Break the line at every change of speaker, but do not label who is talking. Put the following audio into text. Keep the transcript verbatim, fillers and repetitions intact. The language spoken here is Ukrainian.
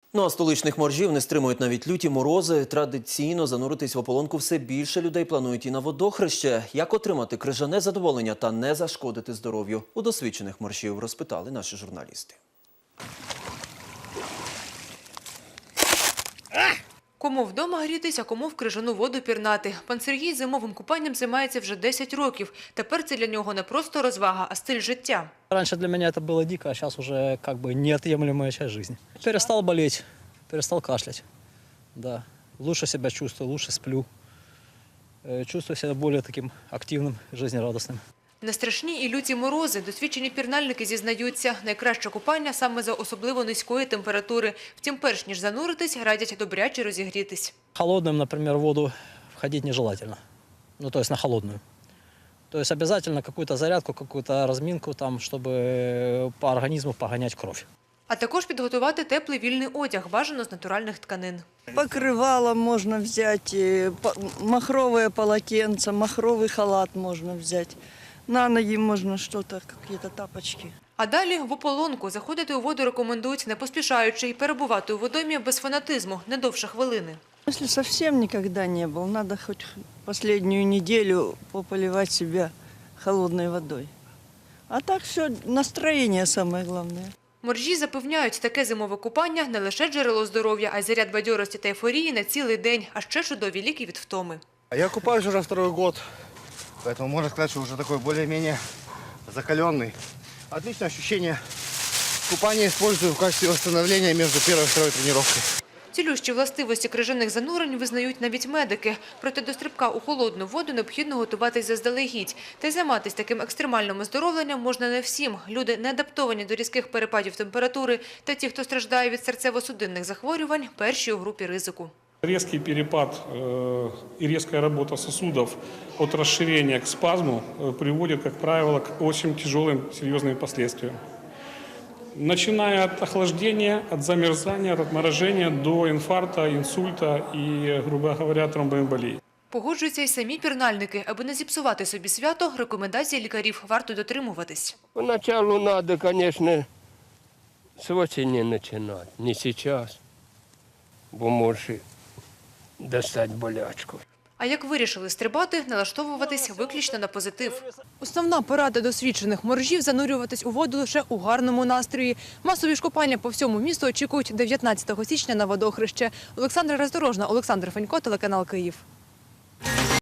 Ну а столичних моржів не стримують навіть люті морози. Традиційно зануритись в ополонку все більше людей планують і на водохреще. Як отримати крижане задоволення та не зашкодити здоров'ю? У досвідчених моржів розпитали наші журналісти.
Кому вдома грітись, а кому в крижану воду пірнати. Пан Сергій зимовим купанням займається вже десять років. Тепер це для нього не просто розвага, а стиль життя.
Раньше для меня это было дико, а сейчас уже как бы неотъемлемая часть жизни. Перестал болеть, перестал кашлять. Да. Лучше себя чувствую, лучше сплю. Э, Чувствую себя более таким активным, жизнерадостным.
На страшні і люті морози досвідчені пірнальники зізнаються, найкраще купання саме за особливо низької температури. Втім, перш ніж зануритись, радять добряче розігрітись.
Холодным, например, в воду входить нежелательно. Ну, то есть на холодную. То есть обязательно какую-то зарядку, какую-то разминку, там, чтобы по организму погонять кровь.
А також підготувати теплий вільний одяг, бажано з натуральних тканин.
Покрывало можно взять, э, по- махровое полотенце, махровый халат можно взять. На ноги можно что-то, какие-то тапочки.
А далі в ополонку заходити у воду рекомендують не поспішаючи і перебувати у водоймі без фанатизму, не довше хвилини.
Если совсем никогда не был, надо хоть последнюю неделю пополивать себя холодной водой. А так все, настроение самое главное.
Моржі запевняють, таке зимове купання – не лише джерело здоров'я, а й заряд бадьорості та ейфорії на цілий день, а ще чудові ліки від втоми.
Я купаюсь уже второй год, поэтому можно сказать, что уже такой более-менее закаленный. Отличное ощущение. Купание использую в качестве восстановления между первой и второй тренировкой.
Цілющі властивості крижаних занурень визнають навіть медики. Проте до стрибка у холодну воду необхідно готуватись заздалегідь. Та й займатися таким екстремальним оздоровленням можна не всім. Люди, не адаптовані до різких перепадів температури, та ті, хто страждає від серцево-судинних захворювань, перші у групі ризику.
Резкий перепад э, и резкая работа сосудов от расширения к спазму э, приводит, как правило, к очень тяжелым, серьезным последствиям. Начиная от охлаждения, от замерзания, от отморожения до инфаркта, инсульта и, грубо говоря, тромбоэмболии.
Погоджуються й самі пірнальники. Аби не зіпсувати собі свято, рекомендацій лікарів варто дотримуватись.
Поначалу надо, конечно, с осени начинать, не сейчас, бо можешь достать болячку.
А як вирішили стрибати, налаштовуватись виключно на позитив.
Основна порада досвідчених моржів – занурюватись у воду лише у гарному настрої. Масові ж купання по всьому місту очікують дев'ятнадцятого січня на водохреще. Олександра Роздорожна, Олександр Фенько, телеканал Київ.